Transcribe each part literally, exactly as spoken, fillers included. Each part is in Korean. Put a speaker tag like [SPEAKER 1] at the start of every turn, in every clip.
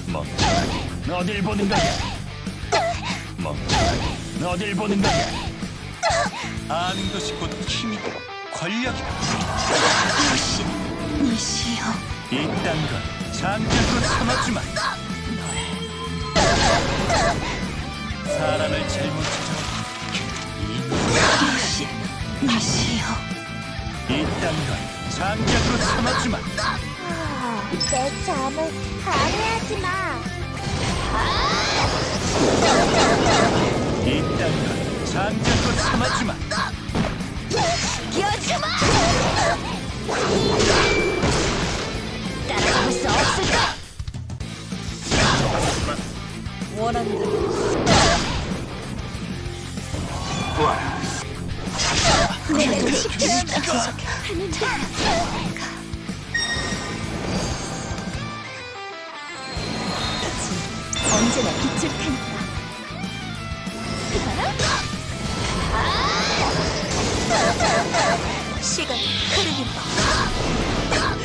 [SPEAKER 1] 멍청하게 어딜 보는 거야? 멍청하게 어딜 보는 거야? 아는 것이 곧 힘이고 권력이다.
[SPEAKER 2] 니시여.
[SPEAKER 1] 이딴 건 장작으로 삼아주마. 사람을 잘못 찾아
[SPEAKER 2] 니시. 니시여.
[SPEAKER 1] 이딴 건 장작으로 삼아주마.
[SPEAKER 3] 내 잠을 방해하지 마.
[SPEAKER 1] 이딴 건 장작으로 삼아주마.
[SPEAKER 2] 여주마. 따라잡을 수 없을까? 원하는 대로. 내가 지켜준다고 하는데. 언제나 빛을 테니까. 시간 흐르는 법.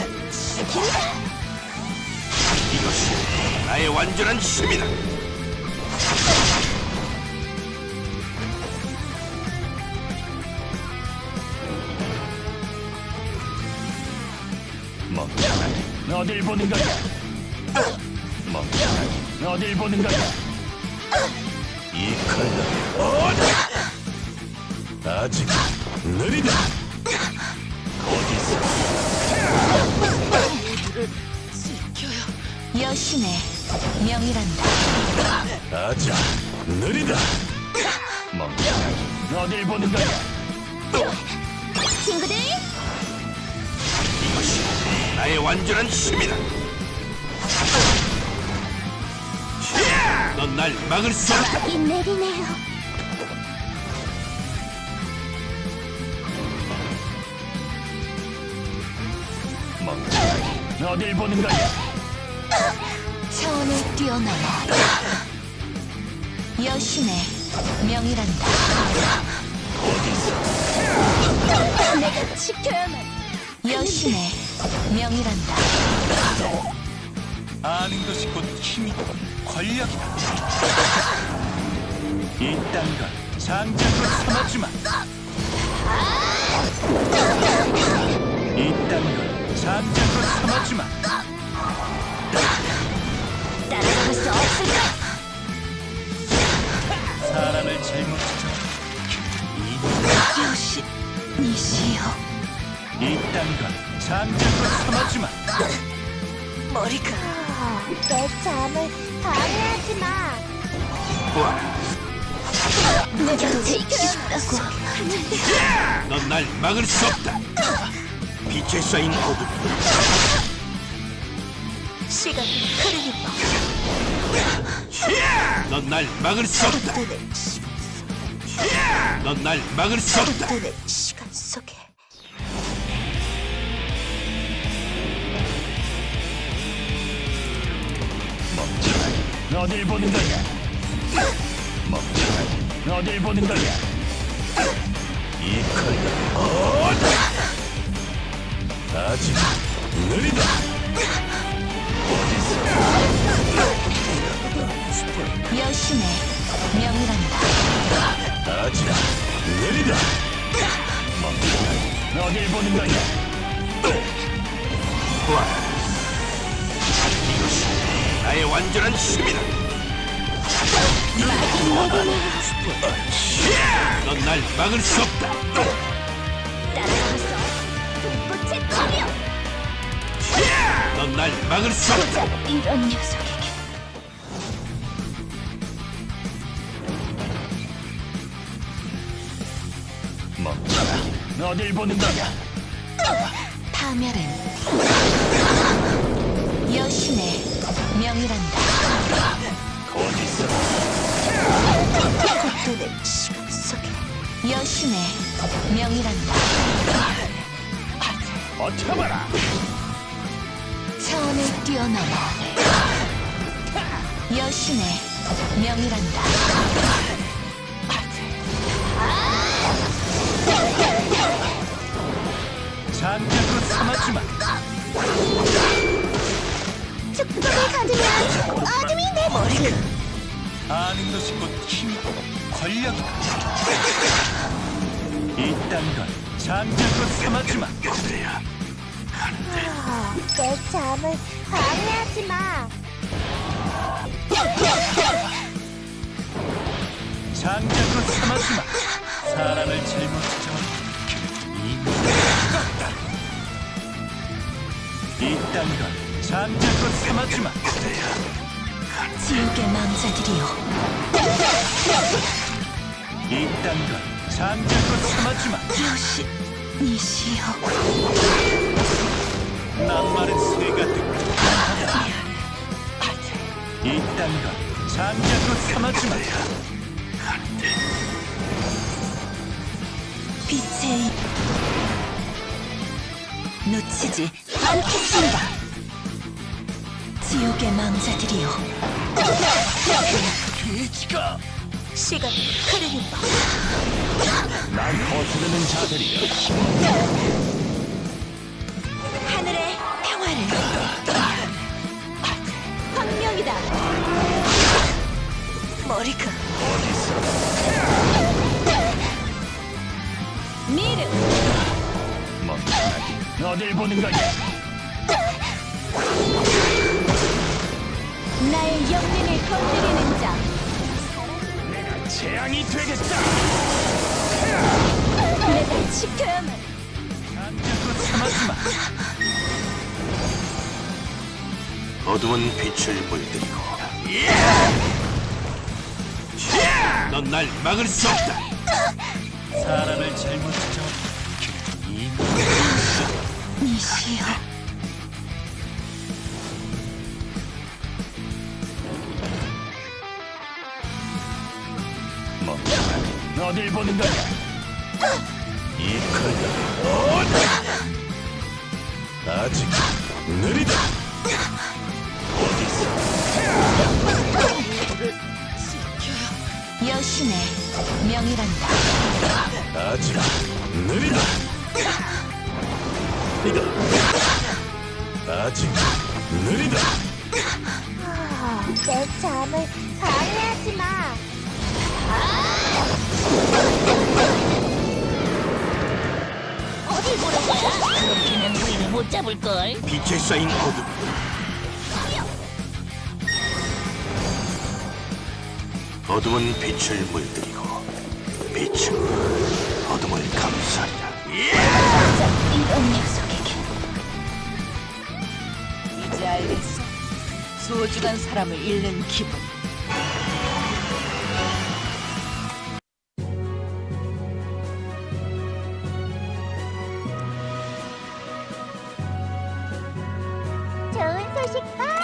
[SPEAKER 1] 이것이 나의 완전한 힘이다. 멍청하게 어딜 보는 거야? 멍청하게 어딜 보는 거야? 이 칼날 아직 느리다. 어디서
[SPEAKER 2] 여신의 명이란다.
[SPEAKER 1] 아직 느리다. 멍청하게 어딜 보는 거야?
[SPEAKER 2] 친구들,
[SPEAKER 1] 이것이 나의 완전한 힘이다. 넌 날 막을 수 없다.
[SPEAKER 3] 이 내리네요.
[SPEAKER 1] 멍청하게 어딜 보는 거야?
[SPEAKER 2] 차원을 뛰어넘어 여신의 명이란다.
[SPEAKER 3] 내가 지켜야만.
[SPEAKER 2] 여신의 명이란다.
[SPEAKER 1] 아는 것이 곧 힘이고 권력이다. 이딴 건 장작으로 삼아주마. 이딴 건 장작으로 삼아주마.
[SPEAKER 2] 따라잡을 수 없을까?
[SPEAKER 1] 사람을 잘못 찾아
[SPEAKER 2] 여신, 니시여.
[SPEAKER 1] 이딴 건 장작으로 삼아주마.
[SPEAKER 2] 머리가
[SPEAKER 3] 내 잠을 방해하지 마.
[SPEAKER 2] 내가 지켜준다고 하는데.
[SPEAKER 1] 넌 날 막을 수 없다. 빛에 쌓인 어둠.
[SPEAKER 2] 시간 흐르는 법.
[SPEAKER 1] 넌 날 막을 수 없다. 넌 날 막을 수 없다.
[SPEAKER 2] 내 시간 속에.
[SPEAKER 1] 멍청하게 어딜 보는 거야? 멍청하게 어딜 보는 거야? 이 칼날 아직 느리다.
[SPEAKER 2] 여신의 명이란다.
[SPEAKER 1] 아직 느리다. 멍청하게 어딜 보는 거야? 이것이 나의 완전한 힘이다. 넌 날 막을 수 없다.
[SPEAKER 2] 따라잡을 수 없.
[SPEAKER 3] 불꽃의 검이여.
[SPEAKER 1] 넌 날 막을 수 없다.
[SPEAKER 2] 이런 녀석에게.
[SPEAKER 1] 멍청하게 어딜 보는 거야?
[SPEAKER 2] 파멸은 여신의 명이란다.
[SPEAKER 1] 어디서
[SPEAKER 2] 내 시간 속에. 여신의 명이란다.
[SPEAKER 1] 버텨봐라.
[SPEAKER 2] 차원을 뛰어넘어 여신의 명이란다.
[SPEAKER 1] 장작으로 삼아주마.
[SPEAKER 3] 축복을 가지면 어둠이 내 머리.
[SPEAKER 1] 아는 것이 곧 힘이고 권력이다. 이딴 건 잠자코 삼아주마.
[SPEAKER 3] 내 잠을 방해하지 마.
[SPEAKER 1] 장자코 삼아주마. 사람을 잘못 찾아온 이미 이딴 건 장자코 삼아주마.
[SPEAKER 2] 지옥의 망자들이여,
[SPEAKER 1] 이딴 건 장자코 삼아주마.
[SPEAKER 2] 여신 이시여.
[SPEAKER 1] 낱말은 새가 듣고 하다. 이딴 건 장자코 삼아주마.
[SPEAKER 2] 빛의 입 놓치지 않겠습니다. 지옥의 망자들이여,
[SPEAKER 1] 돼지가
[SPEAKER 2] 시간 흐르는 법.
[SPEAKER 1] 날 거스르는 자들이여.
[SPEAKER 2] 하늘의 평화를. 황명이다. 머리가 미르.
[SPEAKER 1] 멍청하게 어딜 보는 거냐.
[SPEAKER 3] 나의 영혼을 건드리는 자.
[SPEAKER 1] 재앙이 되겠다.
[SPEAKER 3] 내가 지켜야만.
[SPEAKER 1] 장자코 삼아주마.
[SPEAKER 4] 어두운 빛을 물들이고 넌 날 막을 수 없다.
[SPEAKER 1] 사람을 잘못 찾아온 이미
[SPEAKER 2] 이시여.
[SPEAKER 1] 멍청하게 어딜 보는 거냐. 이 칼날이 어디 아직 느리다.
[SPEAKER 2] 여신의 명이란다.
[SPEAKER 1] 아직 느리다. 이거 아직 느리다.
[SPEAKER 3] 내 잠을 방해하지 마. 어디 보는 거야? 그렇게는 우리를 못 잡을 걸.
[SPEAKER 4] 빛에 쌓인 어둠 어둠은 빛을 물들이고 빛은 어둠을 감싸리라.
[SPEAKER 2] 이런 녀석에게
[SPEAKER 5] 이제 알겠어. 소중한 사람을 잃는 기분.
[SPEAKER 3] 좋은 소식 봐.